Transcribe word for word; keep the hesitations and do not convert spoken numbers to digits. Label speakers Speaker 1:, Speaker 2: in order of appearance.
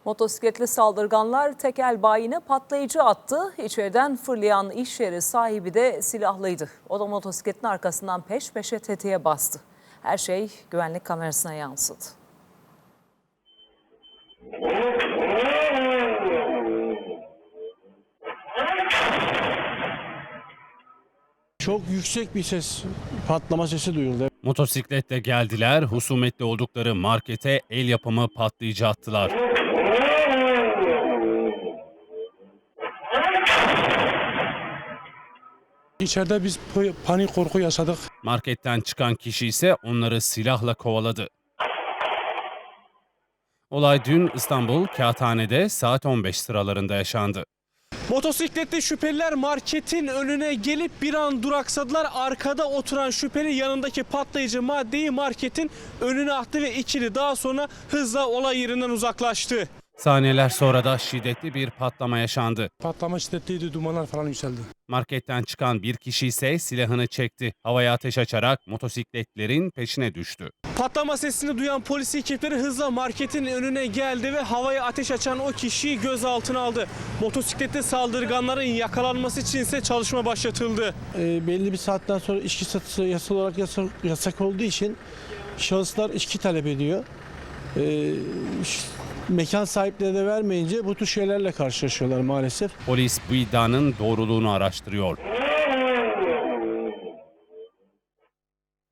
Speaker 1: Motosikletli saldırganlar tekel bayine patlayıcı attı. İçeriden fırlayan iş yeri sahibi de silahlıydı. O da motosikletin arkasından peş peşe tetiğe bastı. Her şey güvenlik kamerasına yansıdı.
Speaker 2: Çok yüksek bir ses, patlama sesi duyuldu.
Speaker 3: Motosikletle geldiler, husumetli oldukları markete el yapımı patlayıcı attılar.
Speaker 2: İçeride biz panik korku yaşadık.
Speaker 3: Marketten çıkan kişi ise onları silahla kovaladı. Olay dün İstanbul Kağıthane'de saat on beş sıralarında yaşandı.
Speaker 4: Motosikletli şüpheliler marketin önüne gelip bir an duraksadılar. Arkada oturan şüpheli yanındaki patlayıcı maddeyi marketin önüne attı ve ikili daha sonra hızla olay yerinden uzaklaştı.
Speaker 3: Saniyeler sonra da şiddetli bir patlama yaşandı.
Speaker 2: Patlama şiddetliydi, dumanlar falan yükseldi.
Speaker 3: Marketten çıkan bir kişi ise silahını çekti. Havaya ateş açarak motosikletlerin peşine düştü.
Speaker 4: Patlama sesini duyan polis ekipleri hızla marketin önüne geldi ve havaya ateş açan o kişiyi gözaltına aldı. Motosikletli saldırganların yakalanması için ise çalışma başlatıldı.
Speaker 2: E, belli bir saatten sonra içki satışı yasal olarak yasak, yasak olduğu için şahıslar içki talep ediyor. E, mekan sahipleri de vermeyince bu tür şeylerle karşılaşıyorlar maalesef.
Speaker 3: Polis bu iddianın doğruluğunu araştırıyor.